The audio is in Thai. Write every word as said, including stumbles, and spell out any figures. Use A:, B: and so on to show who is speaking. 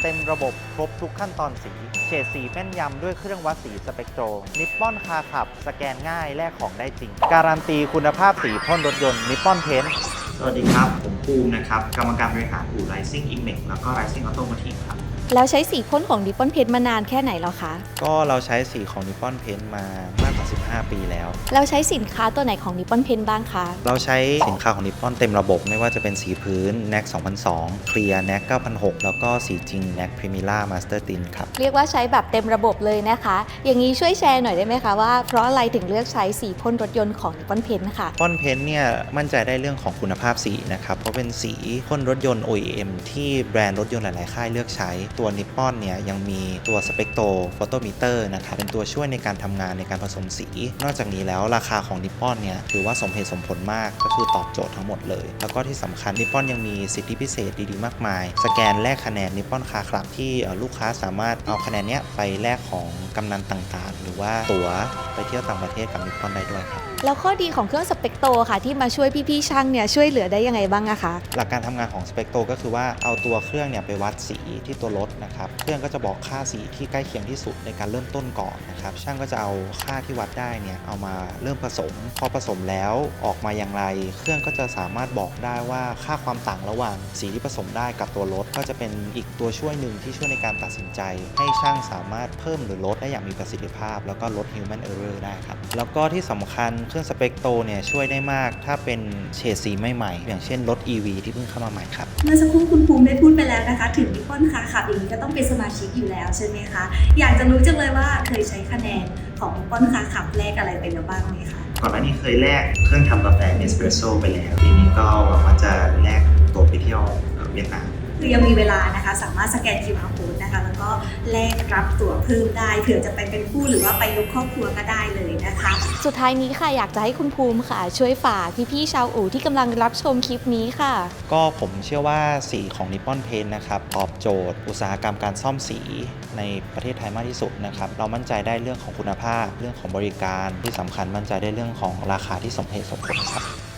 A: เต็มระบบครบทุกขั้นตอนสีเฉดสีแม่นยำด้วยเครื่องวัดสีสเปกโตรนิปปอนคาขับสแกนง่ายแลกของได้จริงการันตีคุณภาพสีพ่นรถยนต์นิปปอนเพนท์
B: สวัสดีครับผมภูมินะครับกรรมการบริหารอู่ Rising Imex แล้วก็ Rising Automotive ครับ
C: แล้วใช้สีพ่นของนิปปอนเพนท์มานานแค่ไหนแล้วคะ
A: ก็เราใช้สีของนิปปอนเพนท์มามากกว่าสิบห้าปีแล้ว
C: แล้วใช้สินค้าตัวไหนของนิปปอนเพนท์บ้างคะ
A: เราใช้สินค้าของนิปปอนเต็มระบบไม่ว่าจะเป็นสีพื้น แน็ก สองพันสอง Clear แน็ก เก้าพันหก แล้วก็สีจริง แน็ก Primera Master Tint ครับ
C: เรียกว่าใช้แบบเต็มระบบเลยนะคะอย่างนี้ช่วยแชร์หน่อยได้ไหมคะว่าเพราะอะไรถึงเลือกใช้สีพ่นรถยนต์ของนิปปอนเพนท์ค่ะ
A: นิปปอนเพนท์เนี่ยมั่นใจได้เรื่องของคุณภาพสีนะครับเพราะเป็นสีพ่นรถยนต์ โอ อี เอ็ม ที่แบรนด์รถยนต์หลายๆค่ายเลือกใช้ตัวนิปปอนเนี่ยยังมีตัวสเปกโตรโฟโตมิเตอร์นะครับเป็นตัวช่วยในการทำงานในการผสมสีนอกจากนี้แล้วราคาของนิปปอนเนี่ยถือว่าสมเหตุสมผลมากก็คือตอบโจทย์ทั้งหมดเลยแล้วก็ที่สำคัญนิปปอนยังมีสิทธิพิเศษดีๆมากมายสแกนแลกคะแนนนิปปอนคาคลับที่ลูกค้าสามารถเอาคะแนนเนี้ยไปแลกของกำนันต่างๆหรือว่าตั๋วไปเที่ยวต่างประเทศกับนิปปอนได้ด้วยครับ
C: แล้วข้อดีของเครื่องสเปกโตค่ะที่มาช่วยพี่ๆช่างเนี่ยช่วยเหลือได้ยังไงบ้างอะคะ
A: หลักการทำงานของสเปกโตก็คือว่าเอาตัวเครื่องเนี่ยไปวัดสีที่ตัวรถนะครับเครื่องก็จะบอกค่าสีที่ใกล้เคียงที่สุดในการเริ่มต้นก่อนนะครับช่างก็จะเอาค่าที่วัดได้เนี่ยเอามาเริ่มผสมพอผสมแล้วออกมาอย่างไรเครื่องก็จะสามารถบอกได้ว่าค่าความต่างระหว่างสีที่ผสมได้กับตัวรถก็จะเป็นอีกตัวช่วยหนึ่งที่ช่วยในการตัดสินใจให้ช่างสามารถเพิ่มหรือลดได้อย่างมีประสิทธิภาพแล้วก็ลด human error ได้ครับแล้วก็ที่สำคัญเครื่องสเปกโตเนี่ยช่วยได้มากถ้าเป็นเฉดสีใหม่ๆอย่างเช่นรถ อี วี ที่เพิ่งเข้ามาใหม่ครับ
D: เมื่อสักครู่คุณภูมิได้พูดไปแล้วนะคะถึงนิปปอนคาขับอย่างนี้ก็ต้องเป็นสมาชิกอยู่แล้วใช่ไหมคะอยากจะรู้จังเลยว่าเคยใช้คะแนนของนิปปอนคาขับแลกอะไรไปแล้วบ้างไหมคะ
B: ก่อนหน้านี้เคยแลกเครื่องทำกาแฟเนสเปรสโซ่ไปแล้วทีนี้ก็หวังว่าจะแลกตัวไปเที่ยวเวียดนาม
D: คือยังมีเวลานะคะสามารถสแกน คิว อาร์ Code นะคะแล้วก็แลกรับตั๋วเพิ่มได้เผื่อจะไปเป็นคู่หรือว่าไปยกครอบครัวก็ได้เลยนะคะ
C: สุดท้ายนี้ค่ะอยากจะให้คุณภูมิค่ะช่วยฝากพี่ๆชาวอู่ที่กำลังรับชมคลิปนี้ค่ะ
A: ก็ผมเชื่อว่าสีของนิปปอนเพนท์นะครับตอบโจทย์อุตสาหกรรมการซ่อมสีในประเทศไทยมากที่สุดนะครับเรามั่นใจได้เรื่องของคุณภาพเรื่องของบริการที่สำคัญมั่นใจได้เรื่องของราคาที่สมเหตุสมผลครับ